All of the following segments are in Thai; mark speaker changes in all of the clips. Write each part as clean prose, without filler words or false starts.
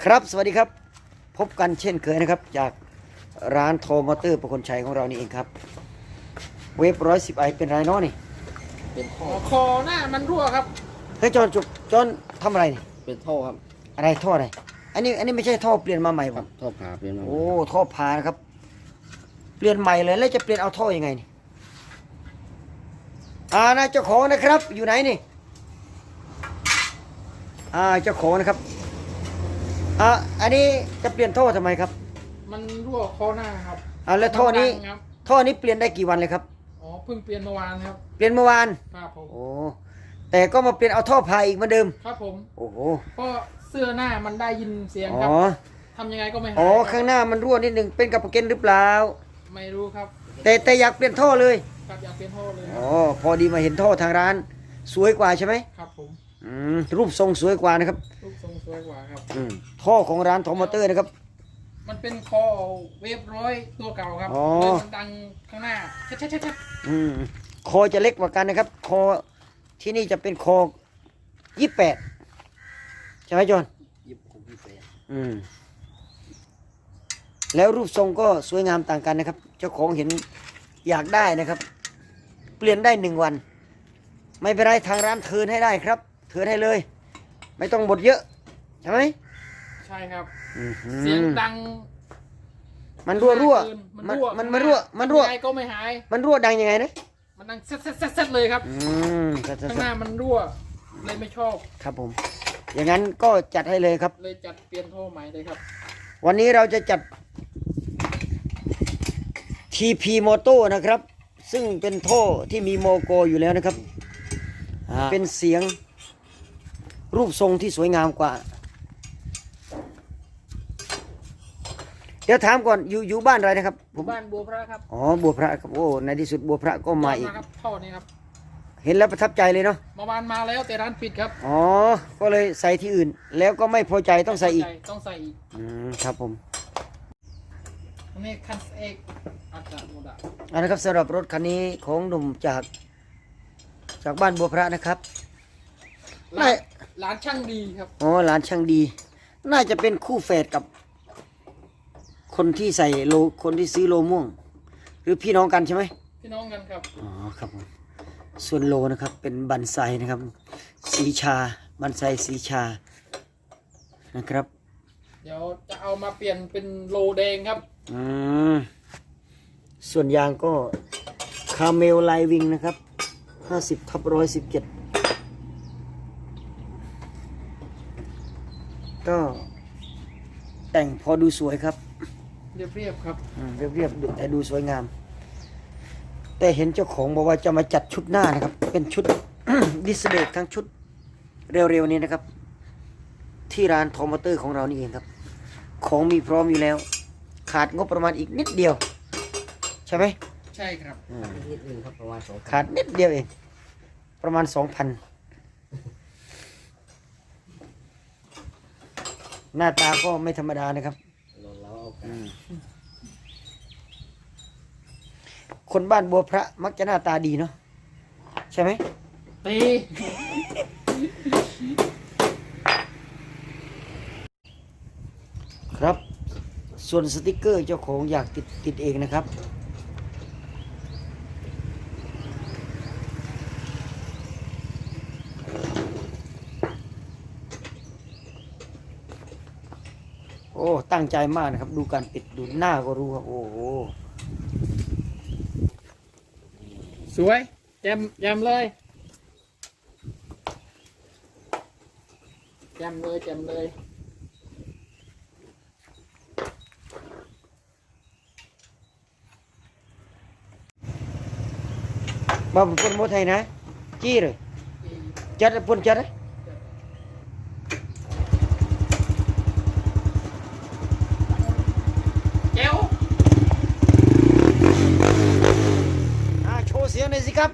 Speaker 1: ครับสวัสดีครับพบกันเช่นเคยนะครับจากร้านโทมอเตอร์ประคนชัยของเรานี่เองครับเวฟ110ไอเป็นไรเนาะนี่
Speaker 2: เป็นท่อ
Speaker 3: คอหน้ามันรั่วครับ
Speaker 1: เฮ้ยจอนทำอะไรนี่
Speaker 2: เป็นท่อครับ
Speaker 1: อะไรท่ออะไรอันนี้ไม่ใช่ท่อเปลี่ยนมาใหม่ผม
Speaker 2: ท่อผ่าเปลี่ยนมา
Speaker 1: โอ้ท่อพานะครับเปลี่ยนใหม่เลยแล้วจะเปลี่ยนเอาท่อยังไงนี่นะเจ้าของนะครับอยู่ไหนนี่เจ้าของนะครับอันนี้จะเปลี่ยนท่อทำไมครับ
Speaker 3: มันรั่วคอหน้าครับ
Speaker 1: แล้วท่อนี้
Speaker 3: ครับ
Speaker 1: ท่อนี้เปลี่ยนได้กี่วันเลยครับ
Speaker 3: อ๋อเพิ่งเปลี่ยนเมื่อวานครับ
Speaker 1: เปลี่ยนเมื่อวาน
Speaker 3: ครับผม
Speaker 1: โอ้แต่ก็มาเปลี่ยนเอาท่อพายอีกเหมือนเดิม
Speaker 3: ครับผม
Speaker 1: โอ้โห
Speaker 3: เพราะเสื้อหน้ามันได้ยินเสียงครับทำยังไงก็ไม่หาย
Speaker 1: ข้างหน้ามันรั่วนิดหนึ่งเป็นกับประเก็นหรือเปล่า
Speaker 3: ไม่รู้ครับ
Speaker 1: แต่อยากเปลี่ยนท่อเลย
Speaker 3: ครับอยากเปลี่ยนท่อเลย
Speaker 1: พอดีมาเห็นท่อทางร้านสวยกว่าใช่ไหม
Speaker 3: ครับผม
Speaker 1: รูปทรงสวยกว่านะครับ
Speaker 3: รูปทรงสวยกว่าครับ
Speaker 1: ท่อของร้านโทมอเตอร์นะครับ
Speaker 3: มันเป็นคอเวฟ100ตัวเก่าครับเลยมันดังข้างหน้าชัด
Speaker 1: คอจะเล็กกว่ากันนะครับคอที่นี่จะเป็นคอ28ใช่ไหมจอนแล้วรูปทรงก็สวยงามต่างกันนะครับเจ้าของเห็นอยากได้นะครับเปลี่ยนได้1 วันไม่เป็นไรทางร้านเทิร์นให้ได้ครับเทิร์นให้เลยไม่ต้องบดเยอะใช่ไหม
Speaker 3: ใช่ครับเสียงดัง
Speaker 1: มันรั่วมันรั่ว
Speaker 3: ยังไงก็ไม่หาย
Speaker 1: มันรั่วดังยังไงนะ
Speaker 3: มันดังเซ็ตเลยครับข้างหน้ามันรั่วเลยไม่ชอบ
Speaker 1: ครับผมอย่างนั้นก็จัดให้เลยครับ
Speaker 3: เลยจัดเปลี่ยนท่อใหม่เลยครับ
Speaker 1: วันนี้เราจะจัด TP Moto นะครับซึ่งเป็นท่อที่มีโมโกอยู่แล้วนะครับเป็นเสียงรูปทรงที่สวยงามกว่าเดี๋ยวถามก่อนอยู่บ้านอะไรนะครับ
Speaker 3: ผมบ้านบัวพระครับ
Speaker 1: บัวพระครับโอ้ในที่สุดบัวพระก็มาอีก
Speaker 3: ครับท่อนี้ครับ
Speaker 1: เห็นแล้วประทับใจเลยเนาะ
Speaker 3: เมื่อวานมาแล้วแต่ร้านปิดครับ
Speaker 1: ก็เลยใส่ที่อื่นแล้วก็ไม่พอใจต้องใส่อีก
Speaker 3: ต้องใส่อีก
Speaker 1: ครับผม
Speaker 3: อันนี้คันเอกอาจารย์โมดะ
Speaker 1: นะครับสำหรับรถคันนี้ของหนุ่มจากบ้านบัวพระนะครับ
Speaker 3: ร้านช่างดีครับ
Speaker 1: ร้านช่างดีน่าจะเป็นคู่แฝดกับคนที่ใส่คนที่ซื้อโลม่วงหรือพี่น้องกันใช่ไหม
Speaker 3: พี่น้องกันครับ
Speaker 1: ครับผมส่วนโลนะครับเป็นบันไซนะครับสีชาบันไซสีชานะครับ
Speaker 3: เดี๋ยวจะเอามาเปลี่ยนเป็นโลแดงครับ
Speaker 1: ส่วนยางก็คาเมลไลวิงนะครับ50/117ก็แต่งพอดูสวยครับ
Speaker 3: เรียบครับ
Speaker 1: เรียบแต่ดูสวยงามแต่เห็นเจ้าของบอกว่าจะมาจัดชุดหน้านะครับเป็นชุด ดิสเบรกทั้งชุดเร็วๆนี้นะครับที่ร้านโทมอเตอร์ของเรานี่เองครับของมีพร้อมอยู่แล้วขาดงบประมาณอีกนิดเดียวใช่ไหม
Speaker 3: ใช่ครับ
Speaker 2: นิดนึงครับประมาณ2,000
Speaker 1: ขาดนิดเดียวเองประมาณ 2,000หน้าตาก็ไม่ธรรมดานะครับคนบ้านบัวพระมักจะหน้าตาดีเนาะใช่ไหม
Speaker 3: ตี
Speaker 1: ครับส่วนสติกเกอร์เจ้าของอยากติดเองนะครับตั้งใจมากนะครับดูการปิดดูหน้าก็รู้ครับโอ้โห
Speaker 3: สวยแจมเลย
Speaker 1: มาปนโมไทยนะจี้เลยจัดปนจัดเลยโชว์เสียงหน่อยสิครับ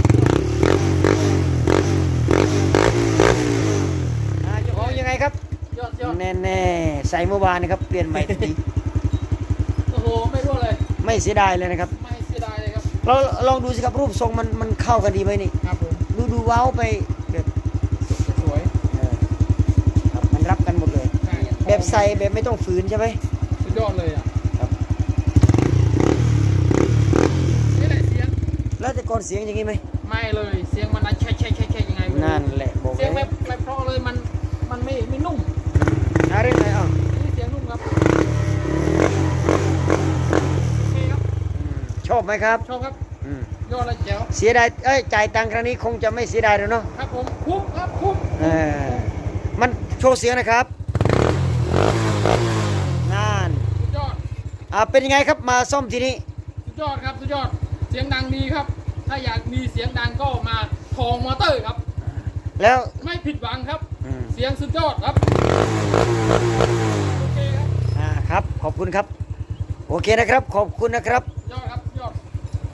Speaker 1: เจ้าของยังไงครับแน่ใส่เมื่อวานนะครับเปลี่ยนใหม่ที
Speaker 3: โอ้โหไม่รู้เลย
Speaker 1: ไม่เสียดายเลยนะครับ
Speaker 3: ไม่เสียดายเลยครับ
Speaker 1: เราลองดูสิครับรูปทรงมันเข้ากันดีไหมนี่
Speaker 3: ครับผม
Speaker 1: ดูว้าวไปแบบ
Speaker 3: สวย
Speaker 1: ครับมันรับกันหมดเลยแบบใส่แบบไม่ต้องฝืนใช่ไหม
Speaker 3: สุดยอดเลยอ่ะ
Speaker 1: ครับ
Speaker 3: นี่แหละเสียง
Speaker 1: แล้วแต่ก่อนเสียงอย่างนี้ไหม
Speaker 3: ไม่เลยเสียงมันนะแช่ยังไงไม่รู้
Speaker 1: นั่นแหละบอก
Speaker 3: เสียง
Speaker 1: เล
Speaker 3: ไม่เพราะเลยมันไม่นุ่ม
Speaker 1: อะไรไหนอ่ะ
Speaker 3: นี่เสียงนุ่มครับโอเคครับ
Speaker 1: ชอบไหมครับ
Speaker 3: ชอบครับ
Speaker 1: อืม
Speaker 3: ยอดเลยแจ๋ว
Speaker 1: เสียดายจ่ายตังค์ครั้งนี้คงจะไม่เสียดายแล้วเนาะ
Speaker 3: ครับผมคุ้มครับคุ้ม
Speaker 1: มันโชว์เสียงนะครับนั่น
Speaker 3: สุดยอด
Speaker 1: เป็นยังไงครับมาซ่อมทีนี้
Speaker 3: สุดยอดครับสุดยอดเสียงดังดีครับ ถ้าอยากมีเสียงดังก็มาทองมอเตอร์ครับ
Speaker 1: แล้ว
Speaker 3: ไม่ผิดหวังครับ
Speaker 1: อืม
Speaker 3: เสียงสุดยอดครับ โอเคครับ
Speaker 1: ครับขอบคุณครับ โอเคนะครับ ขอบคุณนะครับ